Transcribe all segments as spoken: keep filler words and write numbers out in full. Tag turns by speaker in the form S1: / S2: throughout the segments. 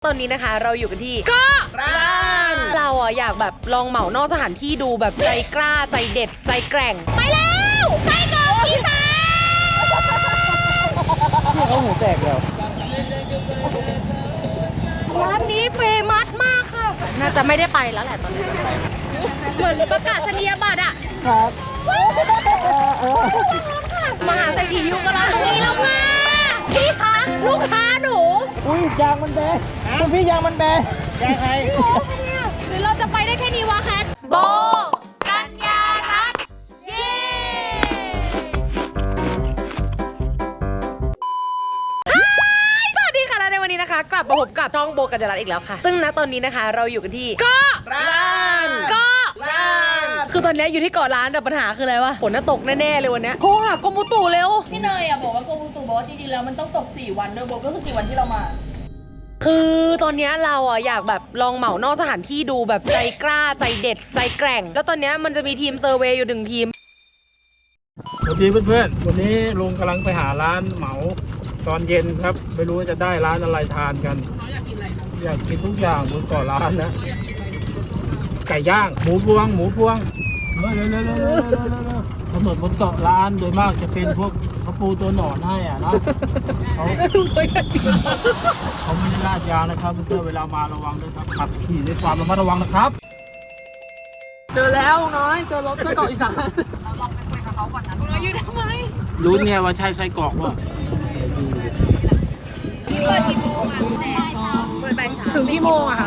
S1: ตอนนี้นะคะเราอยู่กันที่เกาะล้านเราอ่ะอยากแบบลองเหมานอกสถานที่ดูแบบใจกล้าใจเด็ดใจแกร่งไปแล้วไส้กรอกอีสาน
S2: เขาหูแตกแล้ว
S1: ร้านนี้เฟมัสมากค่ะน่าจะไม่ได้ไปแล้วแหละตอนนี้เหมือนประกาศนียบัตรอ่ะ
S2: ครับ
S1: มหาเศรษฐียุคละนี่เรามาพี่คะลูกค้าหนู
S2: อุ้ยยางมันแบนคุณพี่ยางมันแบนยางใคร
S1: หรือเราจะไปได้แค่นี้วะแคทโบกัญญารัตน์เย้สวัสดีค่ะและในวันนี้นะคะกลับมาพบกับช่องโบกัญญารัตน์อีกแล้วค่ะซึ่งณตอนนี้นะคะเราอยู่กันที่เกาะล้านเกาะล้านคือตอนนี้อยู่ที่เกาะล้านแต่ปัญหาคืออะไรวะฝนน่ะตกแน่ๆเลยวันนี้โทรหากรมอุตุเร็ว
S3: พี่เนยอ่ะบอกว่ากรมอุตุบอกว่าจริงๆแล้วมันต้องตกสี่วันโดยบวกก็คือสี่วันที่เรามา
S1: คือตอนนี้เราอ่ะอยากแบบลองเหมานอกสถานที่ดูแบบใจกล้าใจเด็ดใจแกร่งแล้วตอนนี้มันจะมีทีมเซอร์เวย์อยู่หนึ่งทีม
S2: สวัสดีเพื่อนๆวันนี้ลุงกำลังไปหาร้านเหมาตอนเย็นครับไม่รู้ว่าจะได้ร้านอะไรทานกันอยากกินอะไรครับอยากกินทุกอย่างบนเกาะล้านนะไก่ย่างหมูพวงหมูพวงเร็วเร็วเร็วเร็วเร็วเร็วเร็วถนนบนเกาะล้านโดยมากจะเป็นพวกกระปูตัวหนอนให้อ่ะนะเขาเขาไม่ได้ลาดยางนะครับเพื่อนเวลามาระวังด้วยครับขับขี่ด้วยความระมัดระวังนะครับ
S1: เจอแล้วน้อยเจอรถไส้กรอกอีสานเราลองไปคุยกับเขาก่อนนะเราอยู่ทำไม
S2: รู้ไงว่าใช่ไส้กรอกวะ
S3: เปิดกี่โมงอ่ะแหน่เปิดบ่ายสาม
S1: ถึงกี่โมงอะคะ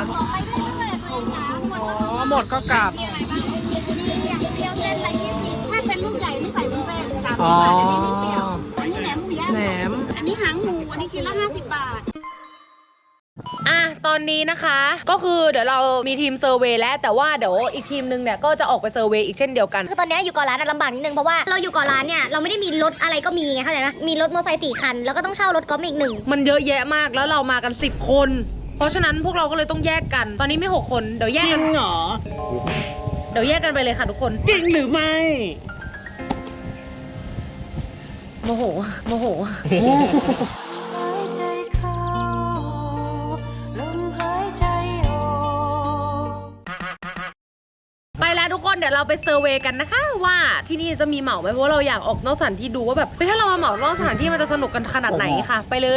S1: อ๋อหมดก็กลับ
S4: เปรี้ยวเส้นละยี่สิบถ้าเป็นลูกใหญ่ไม่ใส่วุ้นเส้นสามสิบบาทอันนี้ไม่เปรี้ยวอันนี้แหนมหมูย่าง
S1: แหนม
S4: อันนี้หางหมูอันนี้ชิ้นละห้าสิบบาท
S1: อ่ะตอนนี้นะคะก็คือเดี๋ยวเรามีทีมเซอร์เวย์แล้วแต่ว่าเดี๋ยวอีกทีมนึงเนี่ยก็จะออกไปเซอร์เวย์อีกเช่นเดียวกัน
S5: คือตอนนี้อยู่เกาะล้านลำบากนิดนึงเพราะว่าเราอยู่เกาะล้านเนี่ยเราไม่ได้มีรถอะไรก็มีไงเข้าใจไหมมีรถมอเตอร์ไซค์สี่คันแล้วก็ต้องเช่ารถกอล์ฟอีกหนึ่ง
S1: มันเยอะแยะมากแล้วเรามากันสิบคนเพราะฉะนั้นพวกเราก็เลยต้องแยกกันตอนนี้มีหกคนเดี๋ยวแยกกันเหรอเดี๋ยวแยกกันไปเลยค่ะทุกคน
S2: จริงหรือไม่
S1: โมโหโมโหไปแล้วทุกคนเดี๋ยวเราไปเซอร์เวย์กันนะคะว่าที่นี่จะมีเหมาไหมเพราะว่าเราอยากออกนอกสถานที่ดูว่าแบบถ้าเรามาเหมานอกสถานที่มันจะสนุกกันขนาดไหนค่ะไปเลย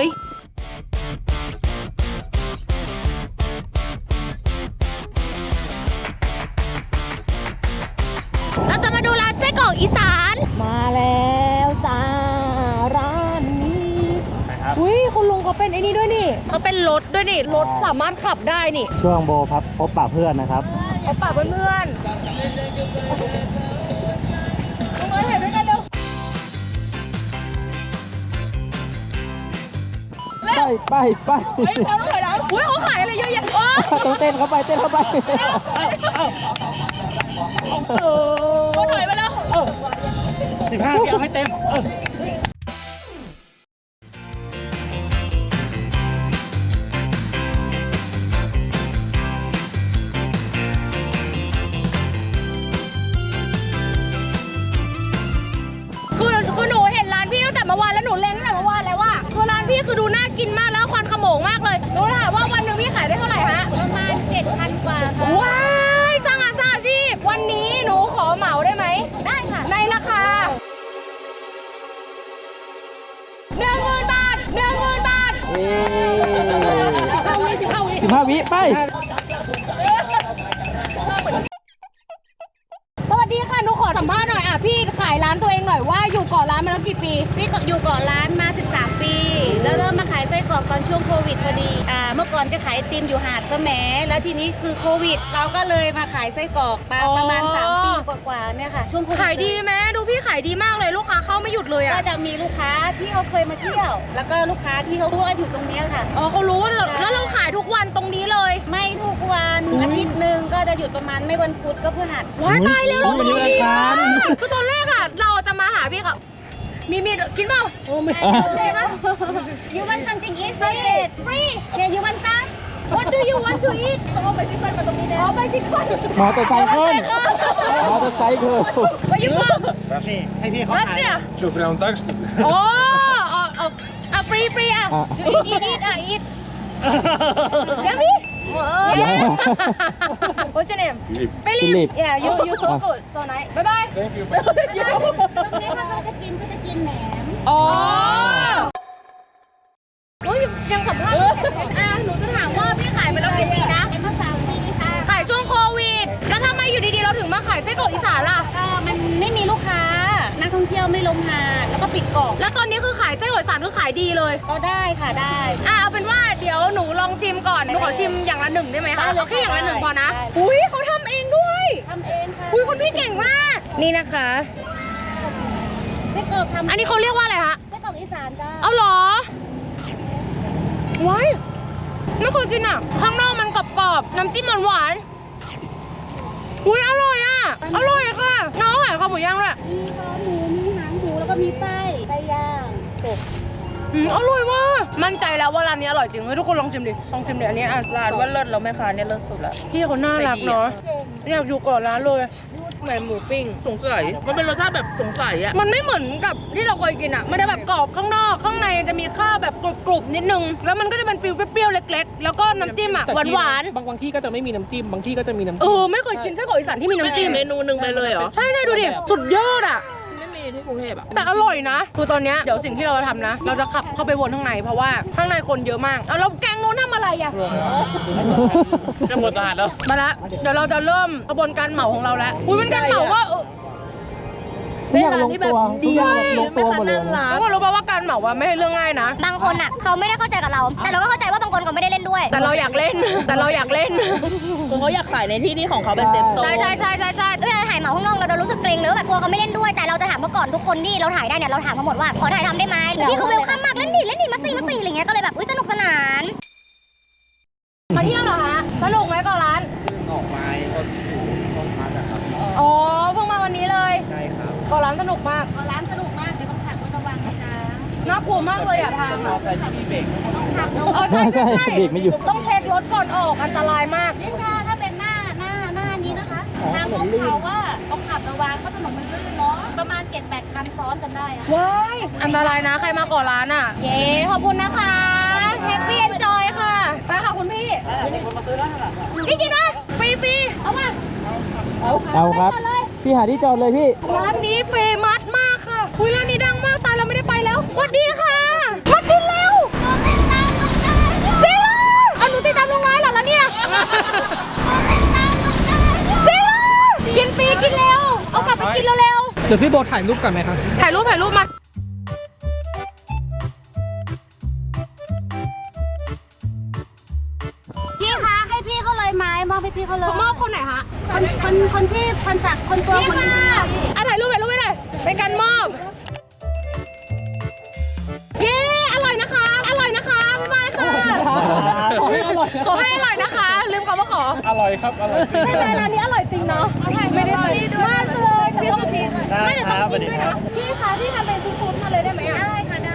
S1: เราจะมาดูร้านไส้กรอกอีสานมาแล้วจ้าร้านนี้อุ้ยคุณลุงเขาเป็นไอ้นี่ด้วยนี่เขาเป็นรถด้วยนี่รถสามารถขับได้นี่
S2: ช่วงโบครับพบปะเพื่อนนะครับ
S1: พบปะเพื่อนลงมาเห็นด้วยกันเร็ว
S2: ไปไปไป
S1: เฮ้ยเขาต้องถอยหลังอุ้ยเขาขายอะไรเยอะแยะโอ้
S2: ต้องเต้นเข้าไปเต้นเข้าไป
S1: เขาถอยไปแล้ว
S2: สิบห้าพี่เอาให้เต็ม
S1: คือคือหนูเห็นร้านพี่ตั้งแต่เมื่อวานแล้วหนูเล็งตั้งแต่เมื่อวานแล้วว่าคือร้านพี่คือดูน่ากินมากแล้วควันขโมงมากเลยหนูถามว่าวันหนึ่งพี่ขายได้เท่าไหร่ฮะ
S4: ประมาณเจ็ดพันกว่าค่ะ
S1: ว้ายสร้างงานสร้างอาชีพวันนี้หนูขอเหมาได้ไหม
S4: ได้ค่ะ
S1: ในราคาหนึ่งหมื่นบาทหนึ่งหมื่นบาทสิบห้าวิสิบห้าวิ
S2: สิบห้าวิไป
S1: สวัสดีค่ะหนูขอสัมภาษณ์หน่อยอ่ะพี่ขายร้านตัวเองหน่อยว่าอยู่เกาะล้านมาแล้วกี่ปี
S4: พี่ก็อยู่เกาะล้านมาสิบสามปีแล้วเริ่มมาขายไส้กรอกตอนช่วงโควิดพอดีอ่าเมื่อก่อนจะขายไอติมอยู่หาดแสมแล้วทีนี้คือโควิดเราก็เลยมาขายไส้กรอกมาประมาณสามปีกว่าๆเนี่ยค่ะช่วงโควิด
S1: ขายดีไหมดูพี่ขายดีมากเลยลูกค้าเข้าไม่หยุดเลยอ่ะ
S4: ก็จะมีลูกค้าที่เขาเคยมาเที่ยวแล้วก็ลูกค้าที่เขารู้ว่าอยู่ตรงนี้ค่ะ
S1: อ๋อเขารู้แล้วเราขายทุกวันตรงนี้เลย
S4: ไม่ทุกวันอาทิตย์หนึ่งก็จะหยุดประมาณไม่วันพุธก็พฤหัส
S1: ว้ายตายแล้วเราจะมีคือตอนแรกอ่ะเราจะมาหาพี่กับมีมีกินเปล่า
S2: โอ้ไม่
S4: ได้ปะ You want something eat free Yeah you want some
S1: What do you want to eat เอาไปที่บ้านมาตรงนี้เลยเอาไปที่บ้าน
S2: มอเตอร์ไซค์ขึ้นมอเตอร์ไซค์ขึ้น
S1: ไปอยู่บ้าน
S2: นี่ให้พี่เขาขาย
S6: โชว์เราตั้งสติ
S1: โอ้เอาเอาเอาฟรีฟรีอ่ะอีทอีทอ่ะอีทเดี๋ยวพี่ What's your name? Philip. Yeah, you you so good, so nice. Bye bye.
S2: Thank you
S4: ตรงนี้ถ้าเขาจะกินก็จะกินแหนม
S1: อ๋อโอ้ยยังสัมภาษณ์อ่ะหนูจะถามว่าพี่ขายมาแล้วกี่ปีนะ
S4: เป็นมาสามปีค่ะ
S1: ขายช่วงโควิด แล้วทำไมอยู่ดีๆเราถึงมาขายไส้กรอกอีสานล่ะ
S4: ก็มันไม่มีลูกค้า นักท่องเที่ยวไม่ลงหาดแล้วก็ปิดเกาะ
S1: แล้วตอนนี้คือขายไส้กรอกอีสานคือขายดีเลย
S4: ก็ได้ค่ะได้
S1: อ่ะเอาเป็นว่าเดี๋ยวหนูลองชิมก่อน หนูขอชิมอย่างละหนึ่งได้ไหม
S4: ได้
S1: คะ
S4: เลย
S1: เอาแค่อย่างละหนึ่ง
S4: ได้
S1: พอนะ
S4: ได้
S1: อุ้ยเขาทำเองด้วย
S4: ทำเองค่ะ
S1: อุ้ยคุณพี่เก่งมาก นี่นะคะ
S4: ไส้กรอกทำ
S1: อันนี้เขาเรียกว่าอะไรคะ
S4: ไส้กรอกอีสานจ้า
S1: เอาเหรอว้ายไม่เคยกินอ่ะ ข้างนอกมันกรอบๆ น้ำจิ้มหวานๆอุ้ยอร่อยอ่ะ อร่อยค่ะ น้องขายข้าวหมูย่างด้วย
S4: มีคอหมู มีหางหมูแล้วก็มีไส้ไส้ย่างกบ
S1: อืมอร่อยมากมั่นใจแล้วว่าร้านนี้อร่อยจริงเฮ้ยทุกคนลองชิมดิ ลองชิมดิอันนี้อ่ะ
S3: ร้านว่าเลิศแล้วแม่ค้าเนี่ยเลิศสุดละ
S1: พี่เขาน่ารักเนาะ อยากอยู่ก่อนร้านเลย
S3: เหมือนหมูปิ้งสงสัยมันเป็นรสชาติแบบสงสัยอะ
S1: มันไม่เหมือนกับที่เราเคยกินอ่ะ มันจะแบบกรอบข้างนอก ข้างในจะมีข้าวแบบกรุบๆนิดนึง แล้วมันก็จะเป็นฟิลเปรี้ยวๆเล็กๆ แล้วก็น้ำจิ้มอ่ะหวาน
S6: บางบางที่ก็จะไม่มีน้ำจิ้ม บางที่ก็จะมีน้ำ
S1: ๆ เอ
S6: จิ้ม
S1: อไม่เคยกินไส้กรอกอีสานที่มีน้ำจิ้ม
S3: เมนูหนึ่งไปเลยเหรอ
S1: ใช่ใช่ดูดิ สุดยอดอ่ะ
S3: ไม่มีที่กรุงเทพอะ
S1: แต่อร่อยนะ คือตอนเนี้ยเดี๋ยวสิ่งที่เราจะทำนะ เราจะขับเข้าไปวนข้างในเพราะว่าข้างในคนเยอะมากเอาแล้วแกงโน้นทำอะไรอ่ะ
S6: จะหมดตลาดแล้ว
S1: มาละเดี๋ยวเราจะเริ่มกระบวนการเหมาของเราแล้วอุ้ยเป็นการเหมาว่าเออ
S6: ทุกอย่างลงตัวทุกอย่างลงตัวหมดเลย
S1: ทุกคนรู้ป่าวว่าการเหมาว่าไม่ใช่เรื่องง่ายนะ
S5: บางคนอ่ะเขาไม่ได้เข้าใจกับเรา แต่เราก็เข้าใจว่าบางคนก็ไม่ได้เล่นด้วย
S1: แต่เราอยากเล่น แต่เราอยากเล่น
S3: คือเขาอยากขายในที่ที่ของเขาเป็นเซฟโซน
S1: ใช่ใช่ใช่ใช่ใช่
S5: เวลาถ่ายเหมาข้างนอกเราจะรู้สึกเกรงเลยว่าแบบกลัวเขาไม่เล่นด้วย แต่เราจะถามเขาก่อนทุกคนที่เราถ่ายได้เนี่ยเราถามเขาหมดว่าขอถ่ายทำได้ไหมหรือพี่เขาเวลคัมมากเล่นดิเล่นดิมาสี่มาสี่อะไรเงี้ยก็เลยแบบอุ้ยสนุกสนาน
S1: มาเที่ยวเหรอฮะสนุกไหมก่อนร้าน
S7: ออกไม้ก็อยู่ช่องพักอะครับ
S1: อ๋อเพิ่งมาวันนี้เลย
S7: ใช่ครับ
S1: ก่อนร้านสนุกมาก
S4: ร้านสนุกมากแต่ต้องขับรถระวังนะจ๊ะ
S1: น่ากลัวมากเลยอะทาง
S7: มอเตอร์ไซค์ที่มีเบรก
S4: ขับรถ
S1: อ๋อใช่ใช่ใช่
S6: เบรกไม่อยู่
S1: ต้องเช็ครถก่อนออกอันตรายมาก
S4: ยิ่งถ้าถ้าเป็นหน้าหน้าหน้านี้นะคะ ทางลงเขาว่าต้องขับระวังเพราะถนนมันลื่นเนาะ ประมาณ เจ็ดแปด คันซ้อนกันได้อะ
S1: ว้ายอันตรายนะใครมาก่อนร้านอ่ะ เย้ขอบคุณนะคะแฮปปี้เอนจอยค่ะไปค่ะคุณพี่พี่กินไหมฟรีฟรีๆเอาป่ะ
S6: เอาครับ
S1: ไปก่อนเลย
S6: พี่หาที่จอดเลยพี่
S1: ร้านนี้เฟมัสมากค่ะคุยร้านนี้ดังมากตายเราไม่ได้ไปแล้วสวัสดีค่ะ มากินเร็วหนูติดตามลุงนายจริงเหรอเอาหนูติดตามลุงนายเหรอแล้วเนี่ยหนูติดตามลุงนายจริงเหรอกินฟรีกินเร็วเอากลับไปกินเร็ว
S6: เดี๋ยวพี่โบถ่ายรูปก่อนไหมครับ
S1: ๆถ่ายรูปถ่ายรูปมา
S4: พี่คะให้พี่เขาเลยไหมมอบให้พี่เขาเลย
S1: มอบคนไหนคะ
S4: คนคนคนพี่คนสักคนตัวคนดีๆอะ
S1: อ่ะถ่ายรูปถ่ายรูปไว้เลยเป็นการมอบ เย้ อร่อยนะคะ อร่อยนะคะ บ๊ายบายค่ะ
S6: ขอให้อร่อย
S1: ขอให้อร่อยนะคะ ลืมคำว่าขอ
S7: อร่อยครับ อร่อยจริง
S1: ไม่เป็นร้านนี้อร่อยจริงเนาะไม่ได้ไปมากเลยพี่สุธีไม่จะต้องกินด้วยนะพี่คะพี่ทำเป็นซุปๆมาเลยได้ไหมอ่ะ
S4: ได้ค่ะได้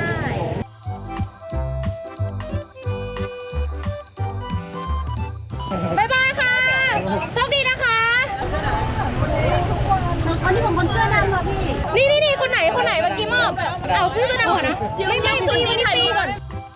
S1: บ๊ายบายค่ะ โชคดีนะคะ
S4: อันนี้ของคนเสื้อดำค่ะพี่
S1: นี่นี่นี่คนไหน คนไหนเมื่อกี้มอบ เอาซื้อจะดังก่อนนะ ไม่ไม่ชุดนี้ถ่ายรูปก่อน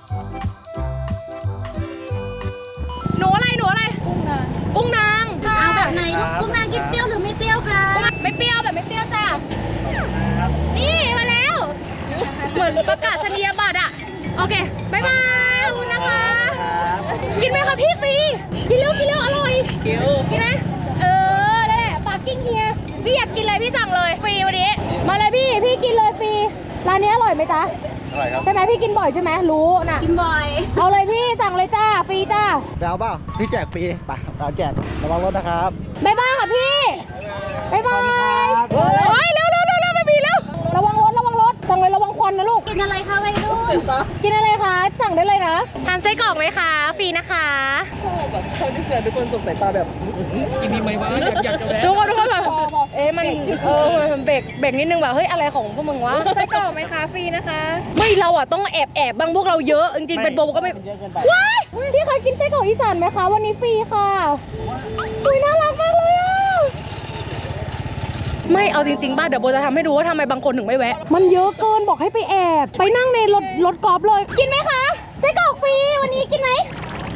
S1: หนูอะไร หนูอะไร กุ้งนางค่ะ
S4: เอาแบบไหนลูกกุ้งนางกินเปรี้ยวหรือไม่เปรี้ยวคะ
S1: ไม่เปรี้ยวแบบไม่เปรี้ยวจ้ะ นี่มาแล้ว เหมือนประกาศนียบัตรอะโอเค บ๊ายบายขอบคุณนะคะ กินไหมคะพี่ฟรี กินเร็วกินเร็วอร่อย กินไหมเออได้แหละปาร์กิ้งเฮียพี่อยากกินอะไรพี่สั่งเลยฟรีวันนี้ มาเลยพี่ พี่กินเลยฟรี ร้านนี้อร่อยไหมจ๊ะ
S7: อร่อยครับ
S1: ใช่ไหมพี่กินบ่อยใช่ไหมรู้น่ะ
S4: กินบ่อย
S1: เอาเลยพี่สั่งเลยจ้า ฟรีจ้า
S7: ไปเอาเปล่าพี่แจกฟรีไปเอาแจกระวังรถนะครับ
S1: บ๊ายบายค่ะพี่ บ๊ายบายเฮ้ยเร็วเร็วเร็วเร็วไปพี่เร็ว ระวังรถระวังรถ สั่งเลยระวังควันนะลูก
S4: กินอะไรคะวัยรุ่น
S1: กินอะไรคะ สั่งได้เลยนะทานไส้กรอกไหมคะ ฟรีนะคะ
S6: ชอบที่เกิดทุกคนสงสัยตาแบบกินดีไหมวะอยากอยากจะแวะ
S1: ทุกคนทุกคนแบบเอ๊ะมันเออมันเบรกเบรกนิดนึงแบบเฮ้ยอะไรของพวกมึงวะไส้กรอกไหมคะฟรีนะคะ ไม่เราอ่ะต้องแอบแอบบางพวกเราเยอะจริงๆเป็นโบก็ไม่ว้ายพี่เคยกินไส้กรอกอีสานไหมคะวันนี้ฟรีค่ะอุ้ยน่ารักมากเลยอ่ะไม่เอาจริงๆบ้านเดี๋ยวโบจะทำให้ดูว่าทำไมบางคนถึงไม่แวะ มันเยอะเกินบอกให้ไปแอบ ไปนั่งในรถรถกอล์ฟเลยกินไหมคะไส้กรอกฟรีวันนี้กินไหม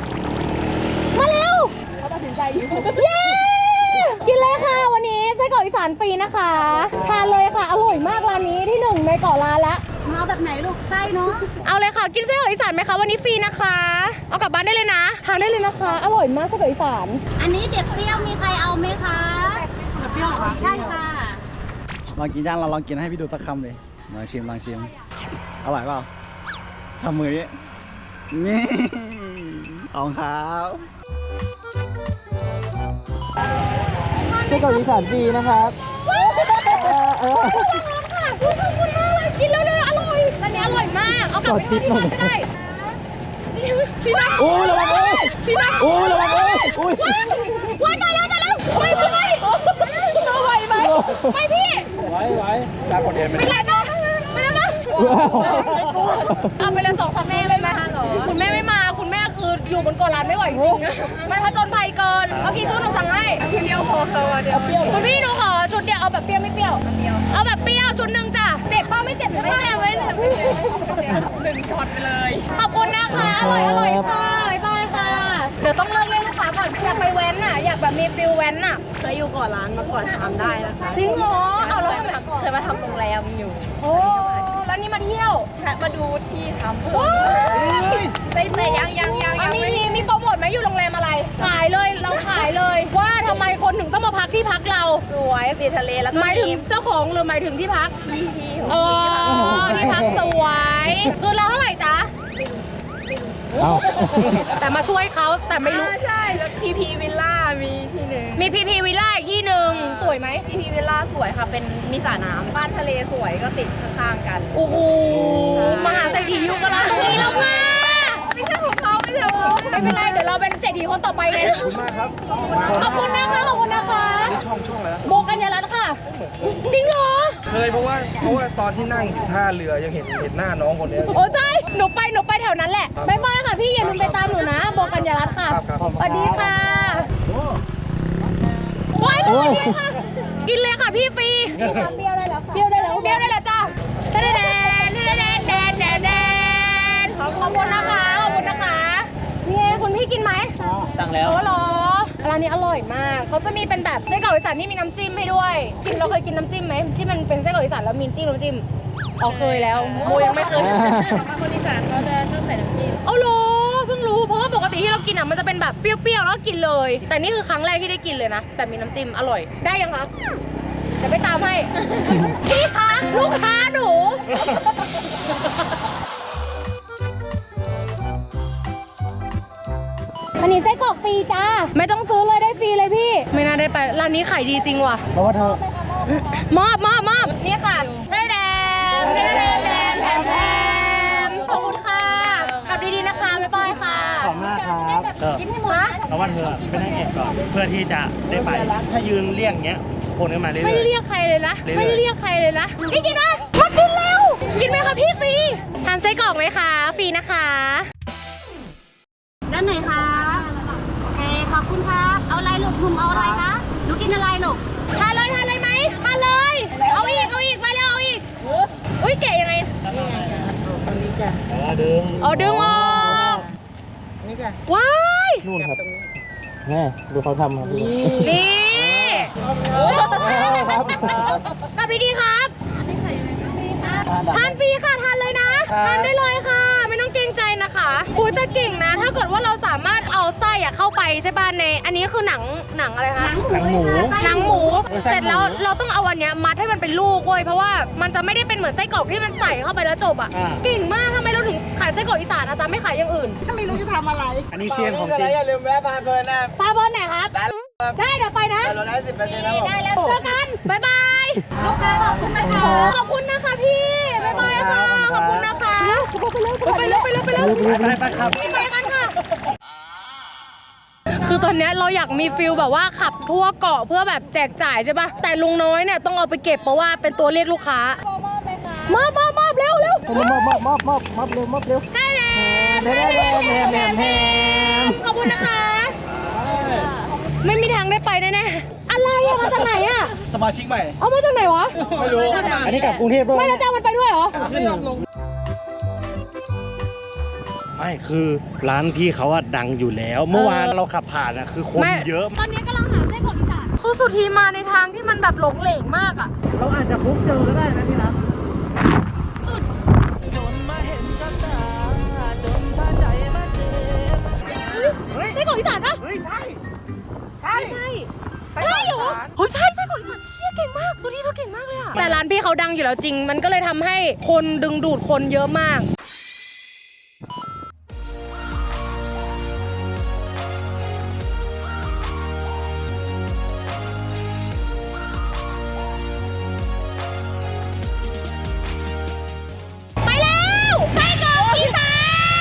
S3: อยู่
S1: เย้ กินเลยค่ะวันนี้ไส้กรอกอีสานฟรีนะคะ ทานเลยค่ะ อร่อยมากร้านนี้ที่หนึ่งในเกาะล้านแล้ว
S4: เอาแบบไหนลูกไส้เนาะ
S1: เอาเลยค่ะ กินไส้กรอกอีสานไหมคะวันนี้ฟรีนะคะ เอากลับบ้านได้เลยนะ ทานได้เลยนะคะ อร่อยมากไส้กรอกอีสาน
S4: อันนี้เด็กเปรี้ยวมีใครเอาไหมคะเด็กเปรี้ยวเหรอใช่ค่ะ
S7: ลองกินย่างเราลองกินให้พี่ดูสักคำเลยลองชิมลองชิมอร่อยเปล่าทำมือนี้นี่เอาครับไส้กรอกอีสานฟรีนะครับ
S1: กินแล้วเลยอร่อยร้านนี้อร่อยมาก เอากลับไปทานที่บ้านก็ได้พี่นัท
S2: โอ้ระวังโอ้ย
S1: พี่นัท
S2: โอ้ระวังโอ้ยโอ้ย
S1: ว้ายตายแล้วตายแล้วไม่พี่เราไหวไหมไม่พี่
S2: ไหวไหวตากดเอ็นไหม
S1: ไม่ไรปะไม่ไรปะเอาไปเลยสองสามแม่เลยไหมคุณแม่ไม่มา คุณแม่คืออยู่บนเกาะล้านไม่ไหวจริงๆมันผจญภัยเกินเมื่อกี้ชุดหนูสั่งให้เดียวพอค่ะเดียวเปรี้ยวคุณพี่หนูขอชุดเดียวเอาแบบเปรี้ยวไม่เปรี้ยวเอาแบบเปรี้ยวชุดหนึ่งจ้ะเจ็บป้าไม่เจ็บใช่ไหมไม่เจ็บไม่เจ็บหนึ่งช็อตไปเลยขอบคุณนะคะอร่อยอร่อยค่ะบ๊ายบายค่ะเดี๋ยวต้องเลิกเล่นลูกค้าก่อนอยากไปแว้นน่ะอยากแบบมีฟิลแว้นน่ะ
S3: เคยอยู่ก่อนร้านมาก่อนทำได้นะคะ
S1: จริงเหรอเอาแล้วทำไม
S3: เคยมาทำโรงแรมอยู่
S1: โอ้แล้วนี่มาเที่ยว
S3: แชะมาดูที่ทำ
S1: ว้าย
S3: แต่แต่ยังยังยัง
S1: อ่ะ
S3: ยัง
S1: มี
S3: ไม่
S1: มีมีโปรโมทไหมอยู่โรงแรมอะไร ขายเลยเราขายเลย ว่าทำไมคนถึงต้องมาพักที่พักเรา
S3: สวยสีทะเลแล้วก็
S1: หมายถึง
S3: มี
S1: เจ้าของหรือหมายถึงที่พัก
S3: พี่พี่ๆ
S1: อ๋อที่พักสวยคือเราเท่าไหร่จ๊ะ
S7: เอา
S1: แต่มาช่วยเขาแต่ไม่รู้
S3: อ่าใช่แล้วพีพีวิลล่ามีที่หนึ่ง
S1: มีพีพีวิลล่าอีกที่หนึ่งสวยไหม
S3: พีพีวิลล่าสวยค่ะเป็นมีสระน้ำบ้านทะเลสวยก็ติดข้างๆกัน
S1: โอ้โหมหาเศรษฐียุคละตรงนี้แล้วค่ะ
S3: ไม่ใช่ของเขาไม่ใช่ของเขา
S1: ไม่เป็นไรเดี๋ยวเราเป็นเศรษฐีคนต่อไปเลย
S7: ขอบคุณมากครับ
S1: ขอบคุณนะคะขอบคุณนะคะ
S7: ช่องช่องอะไรนะ
S1: โบกัญญารัตน์ค่ะ จริงเหรอ
S8: เคยเพราะว่าเพราะว่าตอนที่นั่งอยู่ท่าเรือยังเห็นเห็นหน้าน้องคนเนี้ย
S1: โอ้ใช่ หนูไป หนูไปแถวนั้นแหละบายบายค่ะพี่อย่าลืมไปตามหนูนะ โบกัญญารัตน์ค่ะ
S8: ครับครับ
S1: สวัสดีค่ะว้ายสวัสดีค่ะ กินเลยค่ะพี่ฟรีเปรี้ยวได้แล้วเปรี้ยวได้แล้วเปรี้ยวได้แล้วจ้าแดนแดนแดนแดนแดนแดนแดนขอบคุณนะคะ ขอบคุณนะคะ นี่ไงคุณพี่กินไหม
S2: สั่งแล้ว
S1: โอ้เหรอร้านนี้อร่อยมาก เขาจะมีเป็นแบบไส้กรอกอีสานที่มีน้ำจิ้มให้ด้วย กินเราเคยกินน้ำจิ้มไหมที่มันเป็นไส้กรอกอีสานแล้วมีจิ้มน้ำจิ้มอ๋อเคยแล้วโมยังไม่เคย
S3: คนอีสานเขาจะชอบใส่น้ำจิ้ม
S1: เอาเหรอเพิ่งรู้เพราะว่าปกติที่เรากินอ่ะมันจะเป็นแบบเปรี้ยวๆแล้วก็กินเลย แต่นี่คือครั้งแรกที่ได้กินเลยนะแบบมีน้ำจิ้มอร่อยได้ยังคะเดี๋ยวไปตามให้ พี่คะลูกค้าหนู อันนี้ไส้กรอกฟรีจ้าไม่ต้องซื้อเลยได้ฟรีเลยพี่ ไม่น่าได้ไปร้านนี้ขายดีจริงว่ะ
S7: เพราะว่าเธอ
S1: มอบมอบมอบนี่ค่ะแดนแดนแดนแดนแดนแดนแดนขอบคุณค่ะกลับดีๆนะคะบ๊ายบายค่ะ
S2: ขอบมากครับเออ
S1: ฮะ
S2: เพราะว่าเธอเป็นนางเอกก่อนเพื่อที่จะได้ไป ถ้ายืนเรียกอย่างเงี้ยคนก็มาเรื่อยๆ
S1: ไม่ได้เรียกใครเลยนะ
S2: เรื่อยๆ
S1: ไม่ได้เรียกใครเลยนะพี่กินไหมมากินเร็วกินไหมคะพี่ฟรีทานไส้กรอกไหมคะฟรีนะคะ
S4: ด้านไหนคะโอเคขอบคุณครับ เอาอะไรลูกหนุ่มเอาอะไรคะหนูกินอะไรลูก
S1: ทานเลยทานเลยไหมทานเลย เอาอีกเอาอีกไปแล้วเอาอีกอุ้ยเก๋ยังไง
S2: เออดึง
S1: เอาดึงออกว้าย
S2: นู่นครับแม่ดูเขาทำครับ
S1: นี่
S2: ครับ
S1: กลับดีๆครับทานฟรีค่ะทานเลยนะทานได้เลยค่ะ ไม่ต้องเกรงใจนะคะคุยแต่เก่งนะ ถ้าเกิดว่าเราสามารถเอาไส้อะเข้าไปใช่ป่ะในอันนี้คือหนังหนังอะไรคะ
S2: หนังหมู
S1: หนังหมูเสร็จแล้วเราต้องเอาอันเนี้ยมัดให้มันเป็นลูกเว้ยเพราะว่ามันจะไม่ได้เป็นเหมือนไส้กรอกที่มันใส่เข้าไปแล้วจบอ่ะเก่งมากทำไมเราถึงขายไส้กรอกอีสานอาจารย์ไม่ขายอย่างอื่น
S4: ไม่รู้จะทำอะไร
S2: อันนี้เซียนของจริง
S8: อย่าลืมแวะพาเพลินนะ
S1: ปลาเบิร์นไหนครับได้เดี๋ยวไปนะ
S8: เราได้สิบเปอร์เซ็นต์แล้วผม
S1: ได้แล้วเจอกันบ๊ายบาย
S4: ลูกค้าขอบคุณนะคะ
S1: ขอบคุณนะคะพี่บ๊ายบายค่ะขอบคุณนะคะไปเร็วไปเร็วไปเร็วไปเร็ว
S2: ไปไปครับ
S1: ไปกันค่ะคือตอนเนี้ยเราอยากมีฟิลแบบว่าขับทั่วเกาะเพื่อแบบแจกจ่ายใช่ป่ะแต่ลุงน้อยเนี่ยต้องเอาไปเก็บเพราะว่าเป็นตัวเรียกลูกค้ามอบมอบมอบเร็วเร็ว
S7: มอบมอบมอบมอบมอบเร็วมอบเร็ว
S1: ได้แล้ว
S7: แหมแหมแหมแหมแหม
S1: ขอบคุณนะคะ ไม่มีทางได้ไปแน่ๆอะไรอะมาจากไหนอะ
S7: สมาชิกใหม่
S1: เอามาจากไหนวะ
S7: ไม่รู้ อันนี้กลับกรุงเทพด้วย
S1: ไม่แล้วเจ้ามันไปด้วยเหรอ
S7: ขึ้น
S9: ไม่คือร้านพี่เขาอะดังอยู่แล้ว เมื่อวาน
S1: เออ
S9: เราขับผ่านอะคือคน
S1: ไม่
S9: เยอะ
S1: ตอนนี้กำลังหาไส้กรอกอีสานคือสุธีมาในทางที่มันแบบหลงเหลงมากอ่ะ
S9: เราอาจจะพุกเจอก็ได้นะที่รัก
S1: สุดเฮ้ยไส้กรอกอีสานปะ
S9: เฮ้ยใช่
S1: ใช่ใช่ใช่เหรอเฮ้ยใช่ไส้กรอกอีสานเชี่ยเก่งมากสุธีเธอเก่งมากเลยอะแต่ร้านพี่เขาดังอยู่แล้วจริง มันก็เลยทำให้คนดึงดูดคนเยอะมากไปแล้วไส้กรอกอีสาน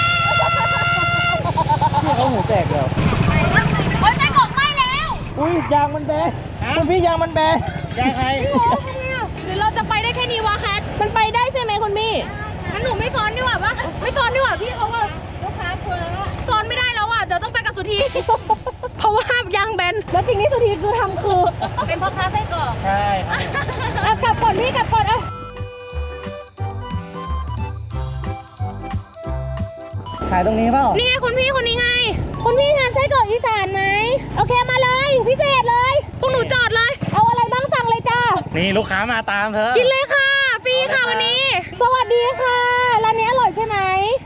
S9: เขาหูแตกแล้ว
S1: โอ้ยไส้กรอกไหม้แล้ว
S9: อุ้ยยางมันแบนคุณพี่ยางมันแบนยางใคร
S1: โอ้โหเนี่ยหรือเราจะไปได้แค่นี้วะแคทมันไปได้ใช่ไหมคุณพี่งั้นหนูไม่ซ้อนดีกว่าปะไม่ซ้อนดีกว่าพี่เขาว่าลูกค้ากลัวแล้วซ้อนไม่ได้แล้วอ่ะเดี๋ยวต้องไปกับสุธี เพราะว่ายางแบนแล้วสิ่งที่สุธีคือทำคือ
S4: เป็นพ่อค้าไส้กรอก
S9: ใช่ครับ
S1: เอากลับก่อนพี่กลับก่อนเอา
S9: ขายตรงนี้เปล่า
S1: นี่ไงคุณพี่คนนี้ไง คุณพี่ทานไส้กรอกอีสานไหมโอเคมาเลยพิเศษเลยพวกหนูจอดเลยเอาอะไรบ้างสั่งเลยจ้า
S9: นี่ลูกค้ามาตามเธอ
S1: กินเลยค่ะฟรีค่ะวันนี้ สวัสดีค่ะร้านนี้อร่อยใช่ไหม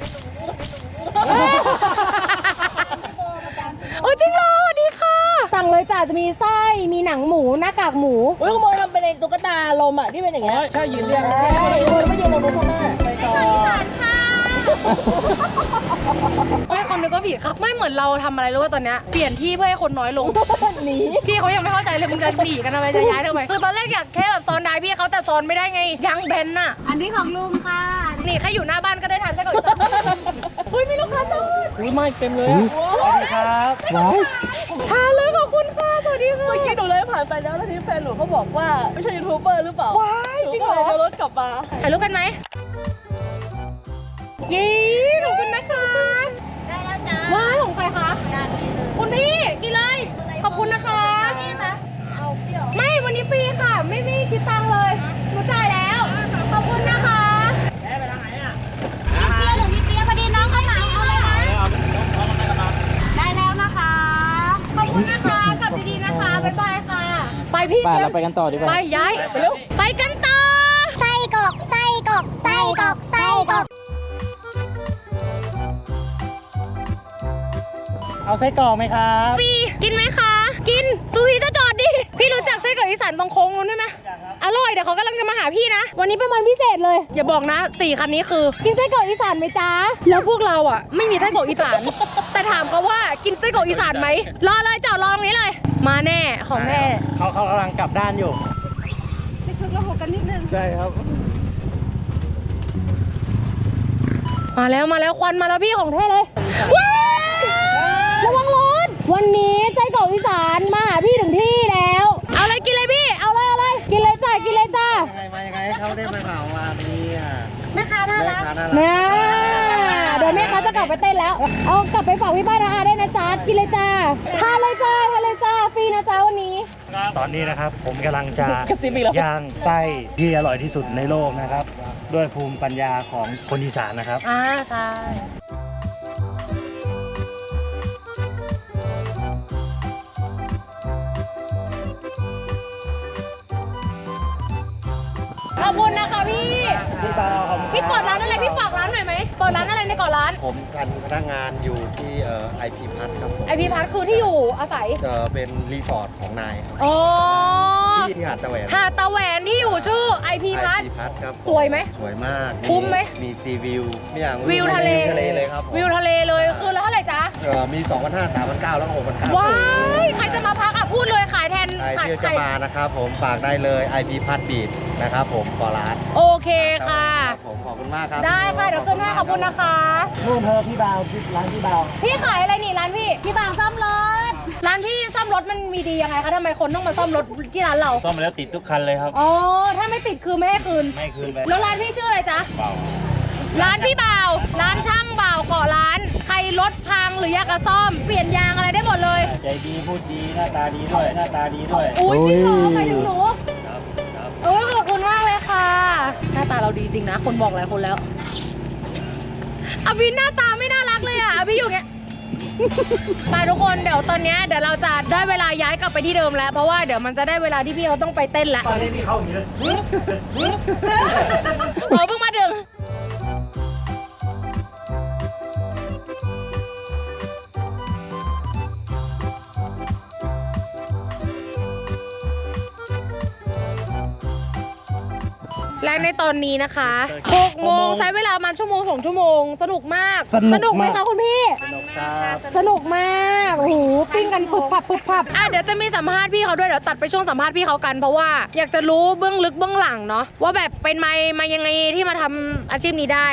S1: โอ้ยจริงเหรอสวัสดีค่ะสั่งเลยจ้าจะมีไส้มีหนังหมูหน้ากากหมู
S3: อุ้ยขโมยทำเป็นไอ้ตุ๊กตาลมอ่ะที่เป็นอย่างเงี้ย
S9: ใช่ยืนเรียง
S3: ใช่ขโมยไม่ยืนลงบนข้างหน้า
S9: ไปต่อ
S1: อีสานค่ะไม่คนนึกว่าผิดครับไม่เหมือนเราทำอะไรรู้ว่าตอนเนี้ยเปลี่ยนที่เพื่อให้คนน้อยลง
S3: หนี
S1: พี่เขายังไม่เข้าใจเลยมึงจะหนีกันทำไมจะย้ายทำไมคือตอนแรกอยากแค่แบบซ้อนได้พี่เขาแต่ซ้อนไม่ได้ไงยังแบนน่ะ
S4: อันนี้ของลุงค่ะ
S1: นี่แค่อยู่หน้าบ้านก็ได้ทานไส้กรอกอีสานเฮ้ยมีลูกค้าจ้า
S9: อุ้ยไม่เต็มเลยอะสวัสดีครับว้าว
S1: ทานเลยขอบคุณค่ะสวัสดีค่ะ
S3: เมื่อกี้หนูเลยผ่านไปแล้วแล้วทีแฟนหนูก็บอกว่าไม่ใช่ยูทูบเบอร์หรือเปล่า
S1: ว้ายจริงเหรอ
S3: นูก็เลยเดินรถกลับมา
S1: ถ่ายรูปกันไหมยี่ขอบคุณนะคะ
S5: ได้แล้วจ้า
S1: ว้ายของใครคะคุณพี่กินเลยขอบคุณนะคะพี่คะ
S3: เอาเปรี้ยว
S1: ไม่วันนี้ฟรีค่ะ ไม่ไม่คิดตังค์เลยหนูจ่ายแล้วขอบคุณนะคะ
S9: แม่ไปทางไหนอ่ะ
S4: มีเปียหรือมีเปียพอดีน้องเขาเหมาเอาเลยนะ ได้แล้วนะคะ
S1: ขอบคุณนะคะกลับดีๆนะคะบ๊ายบายค่ะ ไปพี่
S9: ไปเราไปกันต่อดีกว่า
S1: ไปย้ายไปเร็วไปกันต่อ
S5: ไส้กรอกไส้กรอกไส้กรอกไส้กรอก
S9: เอาไส้กรอกไหมครับ
S1: ฟรีกินไหมคะ กินตูทีจะจอดดิ พี่รู้จักไส้กรอกอีสานตรงโค้งนู้นด้วยไหมอร่อยเดี๋ยวเขากำลังจะมาหาพี่นะ วันนี้เป็นวันพิเศษเลย อย่าบอกนะสี่คันนี้คือ กินไส้กรอกอีสานไหมจ๊ะ แล้วพวกเราอ่ะ ไม่มีไส้กรอกอีสาน แต่ถามเขาว่ากินไส้กรอกอีสานไหม รอเลยจอดรอตรงนี้เลย มาแน่ของแน่
S9: เขาเขากำลังกลับด้านอยู่
S7: ใช่ครับ
S1: มาแล้วมาแล้วควันมาแล้วพี่ของแท้เลยว้ายระวังรถวันนี้ไส้กรอกอีสานมาหาพี่ถึงที่แล้ว เอาเลยกินเลยพี่ เอาเลยเอาเลยกินเลยจ้ากินเลยจ้า
S7: ยังไงมายังไงให้เขาได้มาเหมามาเนี่ย
S4: แม่ค้าน่ารัก
S7: แม่ค้าน่ารัก
S1: นะเดี๋ยวแม่ค้าจะกลับไปเต้นแล้ว เอากลับไปฝากพี่บ้านอาได้นะจ๊ะกินเลยจ้าทานเลยจ้าทานเลยจ้าฟรีนะจ๊ะวันนี้
S9: ตอนนี้นะครับผมกำลังจะ
S3: กับซิมอีกแล้ว
S9: ย่างไส้ที่อร่อยที่สุดในโลกนะครับ ด้วยภูมิปัญญาของคนอีสานนะครับ
S1: อ่าใช่ ขอบคุณนะคะพี่
S9: พี่เบาขอบคุณ
S1: พี่เปิดร้านอะไรพี่ฝากร้านหน่อยไหมเปิดร้านอะไรในเกาะร้าน
S7: ผมเป็นพนักงานอยู่ที่เอ่อไอพีพัทครับผม
S1: ไอพีพัทคือที่อยู่อาศัย
S7: เอ่อเป็นรีสอร์ทของนายครับ
S1: อ๋อ
S7: ที่หาดตะแหวน
S1: หาดตะแหวนที่อยู่ชื่อไอพีพัท
S7: ไอพีพัทครับผ
S1: สวยไหม
S7: สวยมาก
S1: คุ้มไหม
S7: มีซีวิวมีอย่าง
S1: วิวทะเล
S7: ทะเลเลยครับผม
S1: วิวทะเลเลยคือแล้วเท่าไหร่จ๊ะ
S7: เอ่อมี สองพันห้าร้อย สามพันเก้าร้อย แล้วก็หกพันเก้าร้อย
S1: ว้ายใครจะมาพักอ่ะพูดเลยขายแทน
S7: ใคร
S1: ขาย
S7: ที่
S1: ใคร
S7: จะมานะครับผมฝากได้เลย ไอ พี พัทบีดนะครับผมขอร้าน
S1: โอเคค่ะ
S7: ครับผมขอบคุณมากครับ
S1: ได้ค่ะเดี๋ยวขึ้นให้ขอบคุณนะคะ
S9: นู่นเธอพี่เบาพี่ร้านพี่เบา
S1: พี่ขายอะไรนี่ร้านพี่
S4: พี่บ่าวซ่อมรถ
S1: ร้านพี่ซ่อมรถมันมีดียังไงคะทำไมคนต้องมาซ่อมรถที่ร้านเรา
S9: ซ่อมมาแล้วติดทุกคันเลยครับ
S1: อ๋อถ้าไม่ติดคือไม่ให้คืน
S9: ไม่คืนไป
S1: แล้วร้านพี่ชื่ออะไรจ๊ะ
S9: เบา
S1: ร้านพี่บ่าว ร้านช่างบ่าวก่อร้าน ใครรถพังหรืออยากจะซ่อม เปลี่ยนยางอะไรได้หมดเลย
S9: ใจดีพูดดีหน้าตาดีด้วยหน้าตาดีด้วย
S1: อุ้ยจริงเหรอใครถึงหนู
S9: ครับครับ
S1: โอ้ยขอบคุณมากเลยค่ะ หน้าตาเราดีจริงนะ คนบอกหลายคนแล้วอวินหน้าตาไม่น่ารักเลยอ่ะพี่อยู่เงี้ยไปทุกคนเดี๋ยวตอนเนี้ยเดี๋ยวเราจะได้เวลาย้ายกลับไปที่เดิมแล้วเพราะว่าเดี๋ยวมันจะได้เวลาที่พี่เขาต้องไปเต้นแล้วตอนนี้พี่เข้าอย่างนี้เลยเขาเพิ่งมาดึงและในตอนนี้นะคะหกโมงใช้เวลาประมาณชั่วโมงสองชั่วโมงสนุกมากสนุกไหมคะคุณพี่สนุกครับสนุกมากโอ้โหปิ้งกันปุบปับปุบปับอ่ะเดี๋ยวจะมีสัมภาษณ์พี่เขาด้วยเดี๋ยวตัดไปช่วงสัมภาษณ์พี่เขากันเพราะว่าอยากจะรู้เบื้องลึกเบื้องหลังเนาะว่าแบบเป็นมามายังไงที่มาทำอาชีพนี้ได้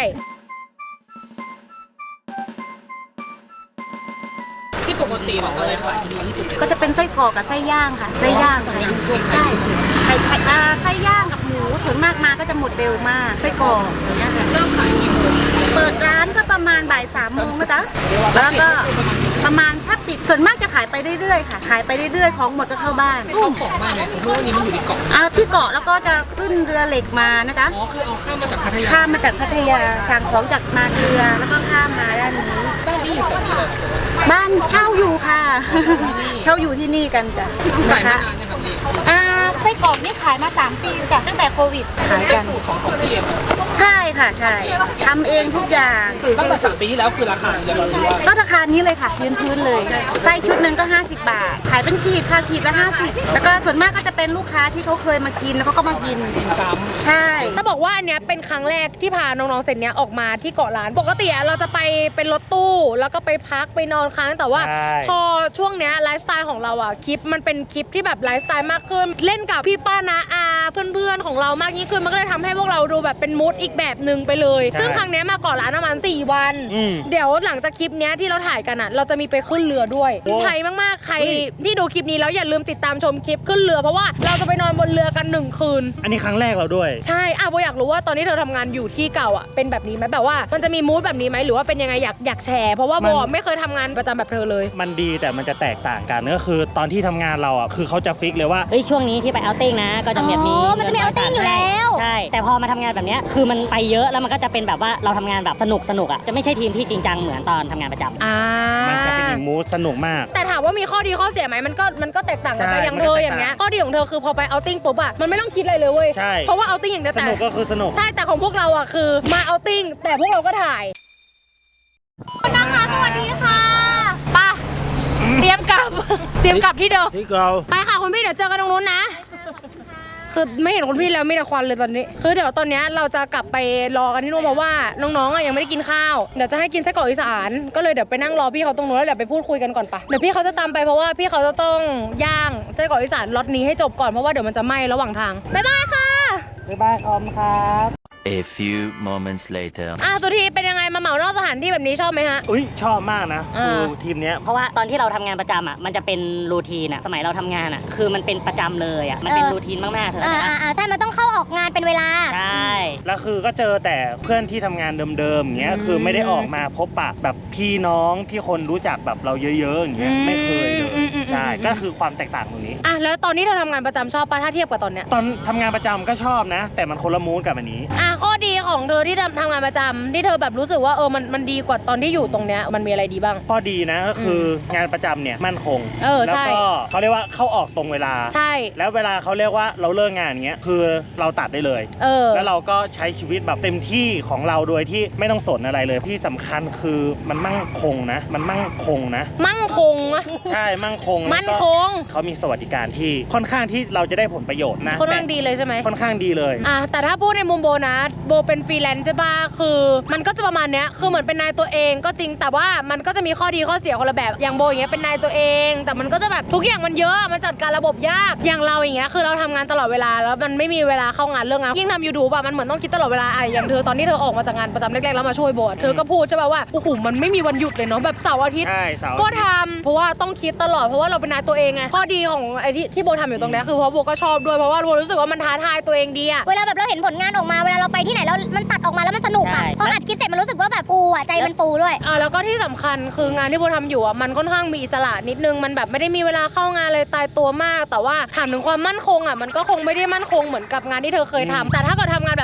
S1: ที่ปกติแบบอะไรขายดีที่สุด
S4: ก็จะเป็นไส้กรอกกับไส้ย่างค่ะไส้ย่างใส่ใช่ไข่ไข่อ่าไส้ย่างกับหมูส่วนมากมาก็จะหมดเร็วมากไส้กรอกอย่างเงี้ยค่ะ
S6: เริ่มขายกี่โมง
S4: เปิดร้านก็ประมาณบ่ายสามโมงนะจ๊ะแล้วก็ประมาณถ้าปิดส่วนมากจะขายไปเรื่อยๆค่ะขายไปเรื่อยๆของหมดก็เข้าบ้าน
S6: เข้าของมากเลยเพราะว่านี้มันอยู่ในเกาะ
S4: อ่าที่เกาะแล้วก็จะขึ้นเรือเหล็กมานะจ๊ะ
S6: อ๋อคือเอาข้ามมาจากพัทยา
S4: ข้ามมาจากพัทยาสั่งของจากมาเรือแล้วก็ข้ามมาด้านนี้
S6: บ้านที่อยู่ตรงนี้เลย
S4: บ้านเช่าอยู่ค่ะ เช่าอยู่ที่นี่กันจ้ะ
S6: ขาย
S4: นะ
S6: มา
S4: คะ
S6: นานนะครับพี่
S4: อ่าไส้กรอกนี่ขายมาสามปีจ้ะตั้งแต่โควิดขาย
S6: เป็
S4: กัน น
S6: สูตรของของพี่เอง
S4: ใช่ค่ะใช่ทำเองทุกอย่าง
S6: ตั้งแต่สามปีที่แล้วคือราคาจะรู้ว่า
S4: ก็ราคานี้เลยค่ะพื้นพื้นๆเลยไส้ชุดหนึ่งก็ห้าสิบบาท ขายเป็นขีดค่ะขีดละห้าสิบแล้วก็ส่วนมากก็จะเป็นลูกค้าที่เขาเคยมากินแล้วเขาก็มากิน
S6: กินซ้
S4: ใช่
S1: จะบอกว่าอันเนี้ยเป็นครั้งแรกที่พาน้องๆเซตเนี้ยออกมาที่เกาะล้านปกติอะเราจะไปเป็นรถตู้แล้วก็ไปพักไปนอนค้างแต่ว่า
S9: ใช่
S1: พอช่วงเนี้ยไลฟ์สไตล์ของเราอะคลิปมันเป็นคลิปที่แบบไลฟ์สไตล์มากขึ้นเล่นกับพี่ป้านาอาเพื่อนๆของเรามากยิ่งขึ้นมันก็เลยทำให้พวกเราดูแบบเป็นมูดอีกแบบหนึ่งไปเลย
S9: ใช่
S1: ซึ่งครั้งเนี้ยมาเกาะล้านประมาณสี่วัน
S9: อืม
S1: เดี๋ยวหลังจากคลิปเนี้ยที่เราถ่ายกันอะเราจะมีไปขึ้นเรือด้วย
S9: โอ้
S1: ไทยมากๆใครที่ดูคลิปนี้แล้วอย่าลืมติดตามชมคลิปขึ้นเรือเพราะว่าเราจะไปนอนบนเรือกันหนึ่งคืน
S9: อันนี้ครั้งแรกเราด้วย
S1: ใช่อ่ะโบอยากรู้ว่าตอนนี้เธอทำงานอยู่ที่เก่าอ่ะเป็นแบบนี้ไหมแบบว่ามันจะมีมูดแบบนี้ไหมหรือว่าเป็นยังไงอยากอยากแชร์เพราะว่าโบ
S9: มัน
S1: อ่ะไม่เคยทำงานประจำแบบเธอเลย
S9: มันดีแต่มันจะแตกต่างกันก็คือตอนที่ทำงานเราอ่ะคือเขาจะฟิกเลยว่า
S10: เฮ้ยช่วงนี้ที่ไปเอาติ้งนะ ก็จะแบบนี้
S5: อ๋อมันจะมีเอาติ้งอยู่แล้ว
S10: ใช่แต่พอมาทำงานแบบเนี้ยคือมันไปเยอะแล้วมันก็จะเป็นแบบว่าเราทำงานแบบสนุกสนุกอ่ะจะไม่ใช่ทีมที่จริงจังเหมือนตอนทำงานประจำ
S1: อ่า
S9: มันจะเป็นอีกมูดสนุกมาก
S1: แต่ถามว่ามีข้อดีข้อเสียไหมมันก็มันก็แตกต่างกันไป
S9: ใช่
S1: อย่าง
S9: มัน
S1: เธ
S9: ก็
S1: อ
S9: แตกต่าง
S1: อย่างเงี้ยข้อดีของเธอคือพอไปเอาติ้งปุ๊บอ่ะมันไม่ต้องคิดอะไรเลยเว้ย
S9: ใช่
S1: เพราะว่าเอาติ้งอย่างเดียว
S9: ส
S1: แต่
S9: นุกก็คือสนุก
S1: ใช่แต่ของพวกเราอ่ะคือมาเอาติ้งแต่พวกเราก็ถ่ายนะคะสวัสดีค่ะป่ะเตรียมกลับ เตรียมกลับที่เดิม
S2: ที่เรา
S1: ไปค่ะคุณพี่เดี๋ยวเจอกันตรงนู้นนะ คือไม่เห็นคุณพี่แล้วมีแต่ควันเลยตอนนี้ คือเดี๋ยวตอนนี้เราจะกลับไปรอกันที่นู่นเพราะว่าน้องๆอ่ะยังไม่ได้กินข้าวเดี๋ยวจะให้กินไส้กรอกอีสานก็เลยเดี๋ยวไปนั่งรอพี่เขาตรงนู้นแล้วเดี๋ยวไปพูดคุยกันก่อนปะเดี๋ยวพี่เขาจะตามไปเพราะว่าพี่เขาจะต้องย่างไส้กรอกอีสานล็อตนี้ให้จบก่อนเพราะว่าเดี๋ยวมันจะไหม้ระหว่างทางบ๊ายบายค่ะ
S9: บ๊ายบายคอมครับ
S11: A few moments later
S1: อ่ะตัวทีเป็นยังไงมาเหมานอกสถานที่แบบนี้ชอบไหมฮะ
S9: อุ้ยชอบมากนะ
S1: อ่า
S9: คือทีมเนี้ย
S10: เพราะว่าตอนที่เราทำงานประจำอ่ะมันจะเป็นรูทีนอ่ะสมัยเราทำงานอ่ะคือมันเป็นประจำเลยอ่ะมันเป็น
S5: เออ
S10: รูทีนมากๆเธอ
S5: อ่า
S10: นะ
S5: อ่าอ่าใช่ มันต้องเข้าออกงานเป็นเวลา
S10: ใช่
S9: แล้วคือก็เจอแต่เพื่อนที่ทำงานเดิมๆอย่างเงี้ย
S1: อืม
S9: คือไม่ได้ออกมาพบปะแบบพี่น้องที่คนรู้จักแบบเราเยอะๆอย่างเงี้ย
S1: อืม
S9: ไม่เคยเลย
S1: อืมอืม
S9: ใช่
S1: อืม
S9: ก็คือความแตกต่างตรงนี้
S1: อ่ะแล้วตอนนี้เธอทำงานประจำชอบปะถ้าเทียบกับตอนเนี้ย
S9: ตอนทำงานประจำก็ชอบนะ แต่มันคนละมูดกับอันนี้
S1: อ่ะข้อดีของเธอที่ทำทำงานประจำที่เธอแบบรู้สึกว่าเออมันมันดีกว่าตอนที่อยู่ตรงเนี้ยมันมีอะไรดีบ้าง
S9: ข้อดีนะก็คืองานประจำเนี่ยมั่นคง
S1: เออ
S9: แล้ว
S1: ใช่
S9: ก็เขาเรียกว่าเข้าออกตรงเวลา
S1: ใช่
S9: แล้วเวลาเขาเรียกว่าเราเลิกงานอย่างเงี้ยคือเราตัดได้เลย
S1: เออ
S9: แล้วเราก็ใช้ชีวิตแบบเต็มที่ของเราโดยที่ไม่ต้องสนอะไรเลยที่สำคัญคือมันมั่งคงนะ มันมั่งคงนะ
S1: มั่งคงอะ
S9: ใช่มั่งคง
S1: มั่น
S9: แล้ว
S1: ค
S9: ก็
S1: ง
S9: เขามีสวัสดิการที่ค่อนข้างที่เราจะได้ผลประโยชน์นะ
S1: ค่อนข้าง
S9: แต่
S1: ดีเลยใช่ไหม
S9: ค่อนข้างดีเลย
S1: อ่ะแต่ถ้าพูดในมุมโบนะโบเป็นฟรีแลนซ์ใช่ปะคือมันก็จะประมาณเนี้ยคือเหมือนเป็นนายตัวเองก็จริงแต่ว่ามันก็จะมีข้อดีข้อเสียคนละแบบอย่างโบอย่างเงี้ยเป็นนายตัวเอง แต่มันก็จะแบบทุกอย่างมันเยอะมันจัดการระบบยากอย่างเราอย่างเงี้ยคือเราทำงานตลอดเวลาแล้วมันไม่มีเวลาเข้างานเรื่องงานยิ่งทำยูทูบอะมันเหมือนต้องคิดตลอดเวลาอะอย่างเธอตอนที่เธอออกมาจากงานประจำแรกๆแล้วมาช่วยโบอะเธอก็พูดใช่ปะว่าโอ้โหมันไม่มีวันหยุดเลยเนาะแบบเสาร์อาทิตย์
S9: ใช่เสาร์
S1: ก็
S9: อาทิตย์
S1: ทำเพราะว่าต้องคิดตลอดเพราะว่าเราเป็นนายตัวเองไงข้อดีของไอ้ที่ที่โบทำอยู่ตรงเนี้ยคือเพราะโบก็ชอบด้วยเพราะว่าโบรู้สึกว่ามันท้าทายตัวเองดีอะ
S5: เวลาแบบเราเห็นผลงานออกมา เวลาเราไปที่ไหนแล้วมันตัดออกมาแล้วมันสนุกอ่ะ
S10: ใช่
S5: พออัดคลิปเสร็จมันรู้สึกว่าแบบฟูอ่ะ ใจมันฟูด้วย
S1: อ่าแล้วก็ที่สำคัญคืองานที่โบทำอยู่อ่ะมันค่อนข้างมีอิสระนิดนึงมันแบบไม่ได้มีเวลาเข้างานเลยตายตัวมาก แต่ว่าถามถึงความมั่นคงอ่ะมันก็คงไม่ได้มั่นคงเหมือนกับงานที่เธอเคยทำแต่ถ้าเกิดทำงานแบบ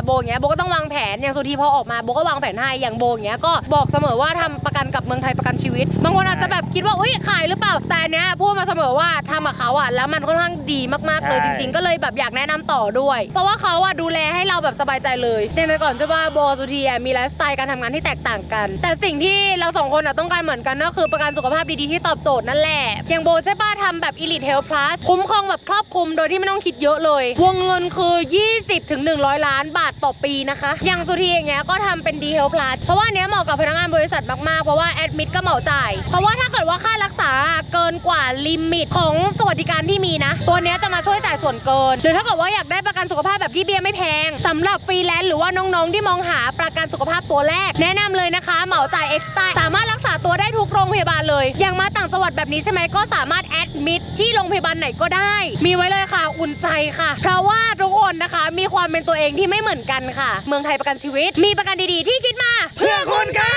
S1: โบอย่างเงี้ยโบก็ต้องวางแผนอย่างสุธีพอออกมาโบก็วางแผนให้อย่างโบอย่างเงี้ยก็บอกเสมอว่าทำประกันกับเมืองไทยประกันชีวิตบางคนอาจจะแบบคิดว่าอุ้ยขายหรือเปล่าแต่เนี้ยพูดมาเสมอว่าทำกับเขาอ่ะแล้วมันค่อนข้างดีมากๆเลยจริงๆก็เลยแบบอยากแนะนำต่อด้วยเพราะว่าเขาอ่ะดูแลให้เราแบบสบายใจเลยในแต่ก่อนจะว่าโบสุธีมีไลฟ์สไตล์การทำงานที่แตกต่างกันแต่สิ่งที่เราสองคนอ่ะต้องการเหมือนกันก็คือประกันสุขภาพดีๆที่ตอบโจทย์นั่นแหละอย่างโบใช่ป้าทำแบบ Elite Health Plus คุ้มครองแบบครอบคลุมโดยที่ไม่ต้องคิดเยอะเลยวงเงินคือ ยี่สิบถึงหนึ่งร้อย ล้านบาทต่อปีนะคะอย่างสุธีอย่างเงี้ยก็ทำเป็น D Health Plus เพราะว่าเนี้ยเหมาะกับพนักงานบริษัทมากๆเพราะว่าแอดมิดก็เหมาจ่ายเพราะว่าถ้าเกิดว่าค่ารักษาเกินกว่าลิมิตของสวัสดิการที่มีนะตัวเนี้ยจะมาช่วยจ่ายส่วนเกินหรือถ้าเกิดว่าอยากได้ประกันสุขภาพแบบที่เบี้ยไม่แพงสำหรับฟรีแลนซ์หรือว่าน้องๆที่มองหาประกันสุขภาพตัวแรกแนะนำเลยนะคะเหมาจ่ายเอ็กซ์ตร้าสามารถรักษาตัวได้ทุกโรงพยาบาลเลยอย่างมาต่างจังหวัดแบบนี้ใช่ไหมก็สามารถแอดมิดที่โรงพยาบาลไหนก็ได้มีไว้เลยค่ะอุ่นใจค่ะเพราะว่าทุกคนนะคะมีความเป็นตัวเองที่ไม่เหมือนกันค่ะเมืองไทยประกันชีวิตมีประกันดีๆที่คิดมาเพื่อคุณค่ะ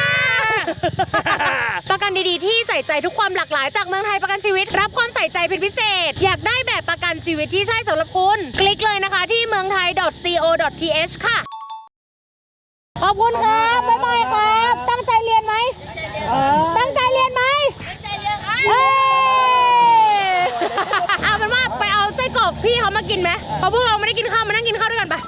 S1: ประกันดีๆที่ใส่ใจทุกความหลากหลายจากเมืองไทยประกันชีวิตรับความใส่ใจเป็นพิเศษอยากได้แบบประกันชีวิตที่ใช่สำหรับคุณคลิกเลยนะคะที่เมืองไทย ดอท ซี โอ ดอท ที เอช ค่ะขอบคุณครับบ๊ายบายครับตั้งใจเรียนไหมตั้งใจเรียนไหมตั้งใจเรียนครับเอาเป็นว่าไปเอาไส้กรอกพี่เขามากินไหมเพราะพวกเราไม่ได้กินข้าวมานั่งกินข้าวด้วยกันปะ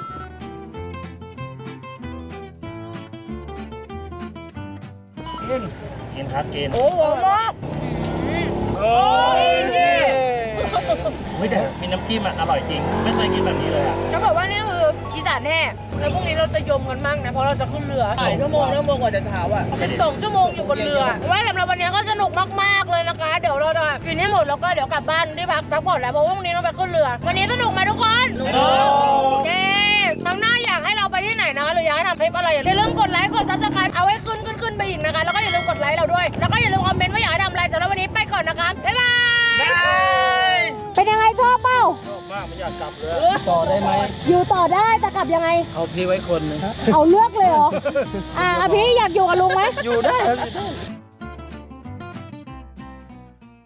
S9: กินครับกิน
S1: โอ้โหมาก
S9: โอ้ยไม่แต่มีน้ำจิ้มอ่ะอร่อยจริงไม่เคยกินแบบนี้เลยอ่ะ
S1: จะบอกว่านี่คืออีสานแน่แล้วพรุ่งนี้เราจะยมกันมากนะเพราะเราจะขึ้นเรือ
S6: หลายชั่วโมงชั่วโมงกว่าจะเช้าอ่ะ
S1: สิบสองชั่วโมงอยู่บนเรือว่าสำหรับวันนี้ก็สนุกมากๆเลยนะคะเดี๋ยวเราจะกินให้หมดแล้วก็เดี๋ยวกลับบ้านที่พักพักผ่อนแล้วเพราะว่าพรุ่งนี้เราไปขึ้นเรือวันนี้สนุกไหมทุกคนเย้ครั้งหน้าอยากให้เราไปที่ไหนนะคะหรืออยากให้ทำคลิปอะไรอย่าลืมกดไลค์กดซับสไครป์เอาไว้ขึ้นขึ้นขึ้นไปอีกนะคะแล้วก็อย่าลืมกดไลค์เราด้วยแล้วก็อย่าลืมคอมเมนต์ว่าอยากให้ทำอะไรสำหรับวันนี้ไปก่อนนะคะบ๊ายบายเป็นยังไงชอบเปล่า
S2: ชอบมากไม่อยากกลับเลยต่อได้ไหม
S1: อยู่ต่อได้แต่กลับยังไง
S2: เอาพี่ไว้คนหนึง
S1: เอาเลือกเลยเหรอ อ่ะอ่ะพี่อยากอยู่กับลุงไหม
S2: อยู่ได้ครับ